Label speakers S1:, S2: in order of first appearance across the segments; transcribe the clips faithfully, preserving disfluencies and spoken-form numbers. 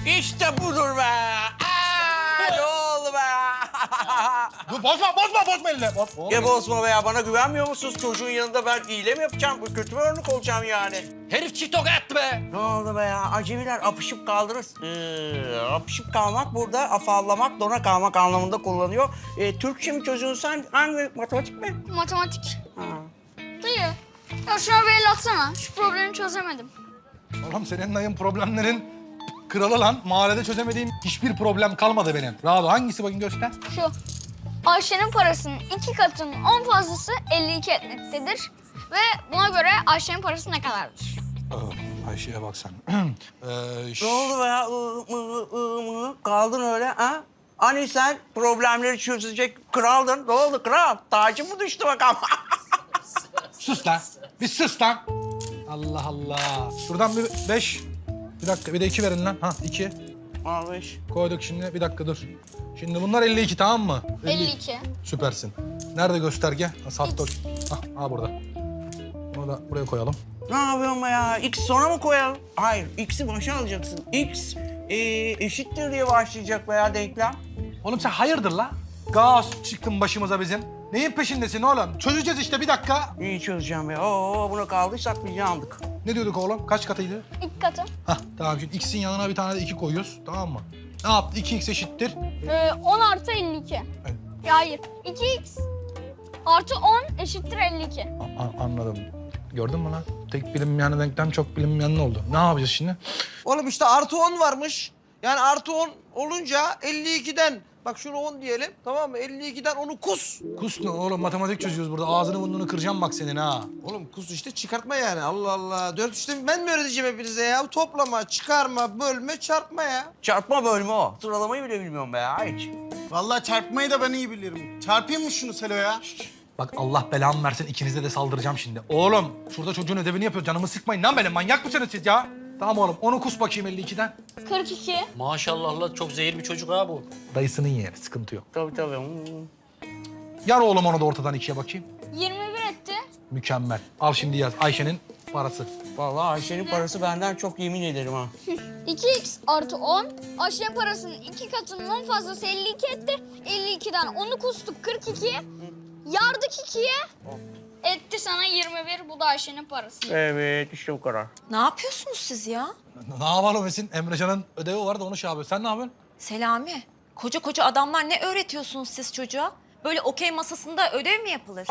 S1: İşte budur be. Aa, ne oldu be?
S2: Dur bozma, bozma, bozma eline. Boz, boz.
S1: Ya bozma be ya. Bana güvenmiyor musunuz? Çocuğun yanında ben hile mi yapacağım? Bu kötü bir örnek olacağım yani.
S3: Herif çift toka attı be.
S1: Ne oldu be ya? Acemiler apışıp kaldırır. Ee, apışıp kalmak burada afallamak, dona kalmak anlamında kullanıyor. Ee, Türkçe mi çözüyorsun sen? Hangi matematik mi?
S4: Matematik.
S1: Ha.
S4: Dayı, ya şuna bir el atsana. Şu problemi çözemedim.
S2: Oğlum senin dayın problemlerin kralı lan. Mahallede çözemediğim hiçbir problem kalmadı benim. Rahat ol. Hangisi bakayım göster.
S4: Şu, Ayşe'nin parasının iki katının on fazlası elli iki etmektedir. Ve buna göre Ayşe'nin parası ne kadardır?
S2: Aa, Ayşe'ye bak sen. ee, ş-
S1: Ne oldu be ya? Iı, mı, ı, mı? Kaldın öyle ha? Hani sen problemleri çözecek kraldın. Ne oldu kral? Tacın mı düştü bakalım?
S2: Sus lan. Bir sus lan. Allah Allah. Şuradan bir beş. Bir dakika bir de iki verin lan. Ha iki.
S1: Abi.
S2: Koyduk şimdi. Bir dakika dur. Şimdi bunlar elli iki tamam mı?
S4: elli iki.
S2: Süpersin. Nerede gösterge? Ha, Sattık. Ha, ha burada. Bunu da buraya koyalım.
S1: Ne yapıyorsun be ya? X sona mı koyalım? Hayır, X'i başa alacaksın. X e, eşittir diye başlayacak be ya denklem.
S2: Oğlum sen hayırdır la? Gaz çıktın başımıza bizim. Neyin peşindesin oğlum? Çözeceğiz işte bir dakika.
S1: İyi çözeceğim be. Oo, buna kaldıysak biz aldık.
S2: Ne diyorduk oğlum? Kaç katıydı?
S4: İki katı.
S2: Hah tamam şimdi x'in yanına bir tane de iki koyuyoruz tamam mı? Ne yaptı? iki x eşittir.
S4: Ee, on artı elli iki.
S2: Evet.
S4: Ya hayır, iki x artı on eşittir elli iki.
S2: A- a- anladım. Gördün mü lan? Tek bilinmeyen denklem çok bilinmeyen ne oldu? Ne yapacağız şimdi?
S5: Oğlum işte artı on varmış. Yani artı on olunca elli ikiden, bak şunu on diyelim tamam mı? elli ikiden onu kus.
S2: Kus ne oğlum? Matematik çözüyoruz burada. Ağzını burnunu kıracağım bak senin ha.
S5: Oğlum kus işte çıkartma yani Allah Allah. Dört işte ben mi öğreteceğim hepinize ya? Toplama, çıkarma, bölme, çarpma ya.
S1: Çarpma bölme o. Sıralamayı bile bilmiyorum be ya hiç.
S6: Vallahi çarpmayı da ben iyi bilirim. Çarpayım mı şunu Selo ya?
S2: Bak Allah belamı versin ikinize de saldıracağım şimdi. Oğlum şurada çocuğun ödevini yapıyor. Canımı sıkmayın lan benim. Manyak mısınız siz ya? Tamam oğlum onu kus bakayım elli ikiden.
S4: kırk iki.
S3: Maşallah la çok zehir bir çocuk ha bu.
S2: Dayısının yeğeni sıkıntı yok.
S1: Tabii tabii. Hmm.
S2: Yar oğlum onu da ortadan ikiye bakayım.
S4: yirmi bir etti.
S2: Mükemmel. Al şimdi yaz Ayşe'nin parası.
S1: Vallahi Ayşe'nin parası benden çok yemin ederim ha.
S4: iki x artı on. Ayşe'nin parasının iki katının on fazlası elli iki etti. elli ikiden onu kustuk kırk iki. Yardık ikiye. Etti sana yirmi bir. Bu da Ayşe'nin parası.
S1: Evet işte bu kadar.
S7: Ne yapıyorsunuz siz ya?
S2: Ne yapalım Esin? Emrecan'ın ödevi vardı onu şey yapıyor. Sen ne yapıyorsun?
S7: Selami, koca koca adamlar ne öğretiyorsunuz siz çocuğa? Böyle okey masasında ödev mi yapılır?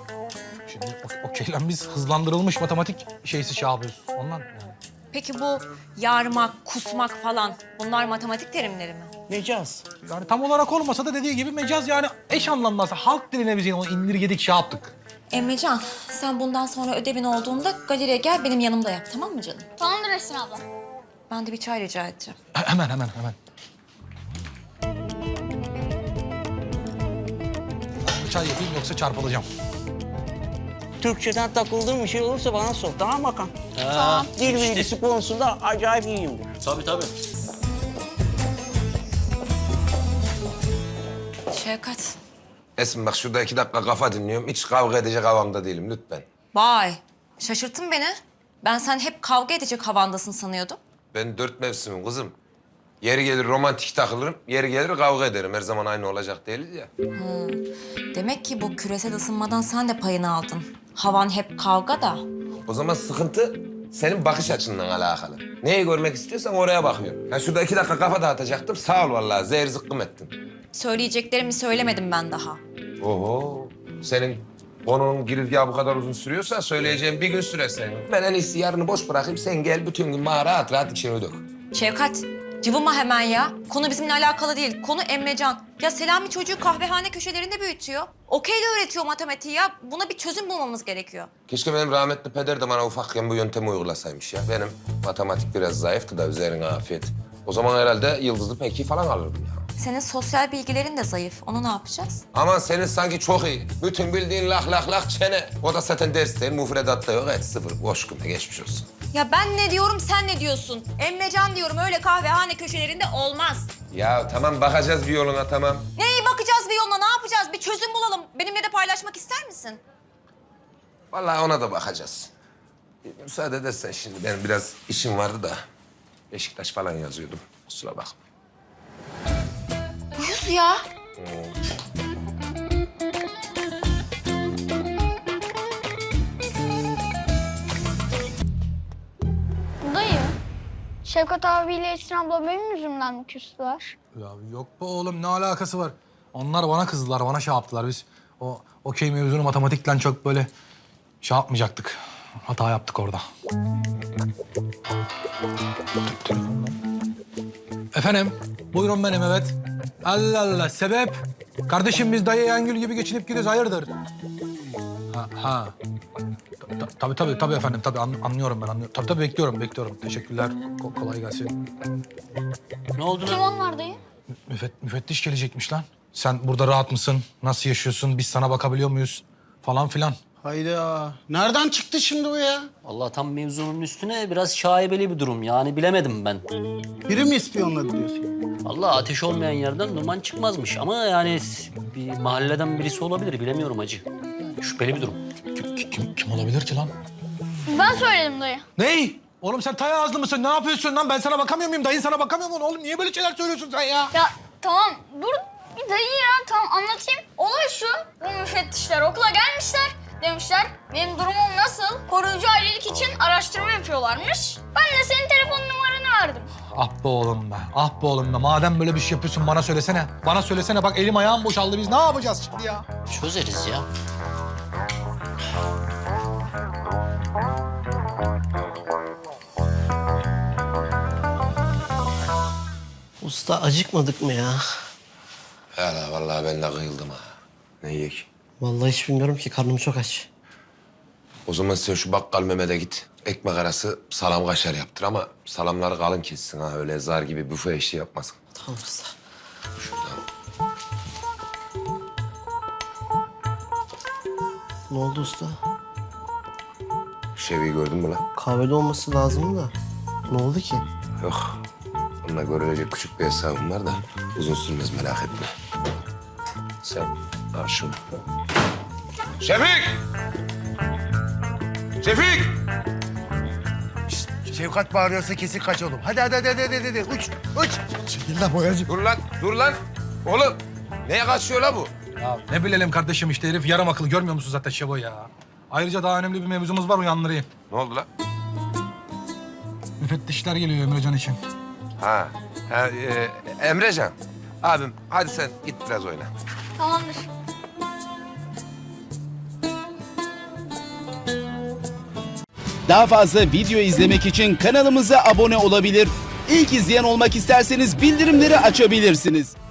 S2: Şimdi o- okey lan biz hızlandırılmış matematik şeysi şey yapıyoruz. Ondan yani.
S7: Peki bu yarmak, kusmak falan bunlar matematik terimleri mi?
S1: Mecaz.
S2: Yani tam olarak olmasa da dediği gibi mecaz yani eş anlamlısı. Halk diline biz yine onu indirgedik şey yaptık.
S7: Emrecan, sen bundan sonra ödevin olduğunda galeriye gel benim yanımda yap tamam mı canım?
S4: Tamamdır Esin abla.
S7: Ben de bir çay rica edeceğim.
S2: He- Hemen hemen hemen. Çay yapayım yoksa çarpılacağım.
S1: Türkçeden takıldığım bir şey olursa bana sor. Tamam mı Hakan?
S3: Tamam.
S1: Dil bilgisi konusunda acayip iyiyimdir.
S3: Tabii tabii.
S7: Şevkat.
S8: Esin bak şurada iki dakika kafa dinliyorum. Hiç kavga edecek havamda değilim lütfen.
S7: Vay, şaşırttın beni. Ben sen hep kavga edecek havandasın sanıyordum.
S8: Ben dört mevsimim kızım. Yeri gelir romantik takılırım, yeri gelir kavga ederim. Her zaman aynı olacak değiliz ya.
S7: Demek ki bu küresel ısınmadan sen de payını aldın. Havan hep kavga da.
S8: O zaman sıkıntı senin bakış açından alakalı. Neyi görmek istiyorsan oraya bakıyorum. Ya şurada iki dakika kafa dağıtacaktım. Sağ ol vallahi zehir zıkkım ettin.
S7: Söyleyeceklerimi söylemedim ben daha.
S8: Oho. Senin konunun girizgahı bu kadar uzun sürüyorsa söyleyeceğim bir gün sürer senin. Ben en iyisi yarını boş bırakayım. Sen gel bütün gün bana rahat rahat içini dök.
S7: Şevkat, cıvıma hemen ya. Konu bizimle alakalı değil. Konu Emrecan. Ya Selami çocuğu kahvehane köşelerinde büyütüyor. Okeyle öğretiyor matematiği ya. Buna bir çözüm bulmamız gerekiyor.
S8: Keşke benim rahmetli peder de bana ufakken bu yöntemi uygulasaymış ya. Benim matematik biraz zayıftı da üzerine afiyet. O zaman herhalde yıldızlı peki falan alırdım ya.
S7: Senin sosyal bilgilerin de zayıf. Onu ne yapacağız?
S8: Aman senin sanki çok iyi. Bütün bildiğin lak lak lak çene. O da zaten ders değil, mufredatta yok. Et sıfır, boş küme geçmiş olsun.
S7: Ya ben ne diyorum, sen ne diyorsun? Emrecan diyorum, öyle kahvehane köşelerinde olmaz.
S8: Ya tamam bakacağız bir yoluna tamam.
S7: Neyi bakacağız bir yoluna, ne yapacağız? Bir çözüm bulalım. Benimle de paylaşmak ister misin?
S8: Vallahi ona da bakacağız. Müsaade edersen şimdi benim biraz işim vardı da. Beşiktaş falan yazıyordum. Kusura bakma.
S7: Uyuz ya.
S4: Dayı, Şevkat abiyle Esin abla benim yüzümden mi küstüler?
S2: Ya yok be oğlum ne alakası var? Onlar bana kızdılar, bana şey yaptılar. Biz o okey mevzunu matematikle çok böyle şey yapmayacaktık. Hata yaptık orada. Efendim, buyurun benim evet. Allah Allah, sebep? Kardeşim biz dayı Yengül gibi geçinip gidiyoruz, hayırdır? Ha, ha. Ta- Tabii tabii tabii efendim, tabii an- anlıyorum ben anlıyorum. Tabii tabii bekliyorum, bekliyorum. Teşekkürler, Ko- kolay gelsin.
S3: Ne oldu
S4: Kim
S3: lan?
S4: onlar dayı?
S2: Müfet, müfettiş gelecekmiş lan. Sen burada rahat mısın? Nasıl yaşıyorsun? Biz sana bakabiliyor muyuz? Falan filan.
S6: Hayda. Nereden çıktı şimdi bu ya?
S3: Allah tam mevzunun üstüne biraz şaibeli bir durum. Yani bilemedim ben.
S6: Biri mi ispiyonladı diyorsun?
S3: Allah ateş olmayan yerden duman çıkmazmış. Ama yani bir mahalleden birisi olabilir. Bilemiyorum hacı. Şüpheli bir durum.
S2: Kim, kim, kim olabilir ki lan?
S4: Ben söyledim dayı.
S2: Ney? Oğlum sen tay ağızlı mısın? Ne yapıyorsun lan? Ben sana bakamıyor muyum? Dayın sana bakamıyor mu? Oğlum niye böyle şeyler söylüyorsun sen ya?
S4: Ya tamam dur bir dayı ya tamam anlatayım. Olay şu, bu müfettişler okula gelmişler. Demişler benim durumum nasıl? Koruyucu ailelik için araştırma yapıyorlarmış. Ben de senin telefon numaranı verdim.
S2: Ah be oğlum be. Ah be oğlum be. Madem böyle bir şey yapıyorsun bana söylesene. Bana söylesene. Bak elim ayağım boşaldı. Biz ne yapacağız şimdi ya?
S3: Çözeriz ya.
S9: Usta acıkmadık mı ya?
S8: Hala vallahi ben de kıyıldım ha. Ne yiyek?
S9: Vallahi hiç bilmiyorum ki karnım çok aç.
S8: O zaman sen şu bakkal Mehmet'e git. Ekmek arası salam kaşar yaptır ama salamları kalın kessin ha. Öyle zar gibi büfe işi yapmasın.
S9: Tamam usta.
S8: Şuradan.
S9: Ne oldu usta?
S8: Şevi'yi gördün mü lan?
S9: Kahvede olması lazım da. Ne oldu ki?
S8: Yok. Onunla görülecek küçük bir hesabım var da uzun sürmez merak etme. Sen al şunu. Şefik! Şefik!
S10: Şevkat bağırıyorsa kesin kaç oğlum. Hadi hadi hadi hadi hadi, hadi. Uç uç. Çekil lan boyacı.
S8: Dur lan, dur lan. Oğlum, neye kaçıyor la bu?
S2: Ya ne bilelim kardeşim işte herif yarım akıllı. Görmüyor musun zaten Şebo ya? Ayrıca daha önemli bir mevzumuz var uyandırayım.
S8: Ne oldu lan?
S2: Müfettişler geliyor Emrecan için.
S8: Ha, ha e, Emrecan. Abim hadi sen git biraz oyna.
S4: Tamamdır.
S11: Daha fazla video izlemek için kanalımıza abone olabilir. İlk izleyen olmak isterseniz bildirimleri açabilirsiniz.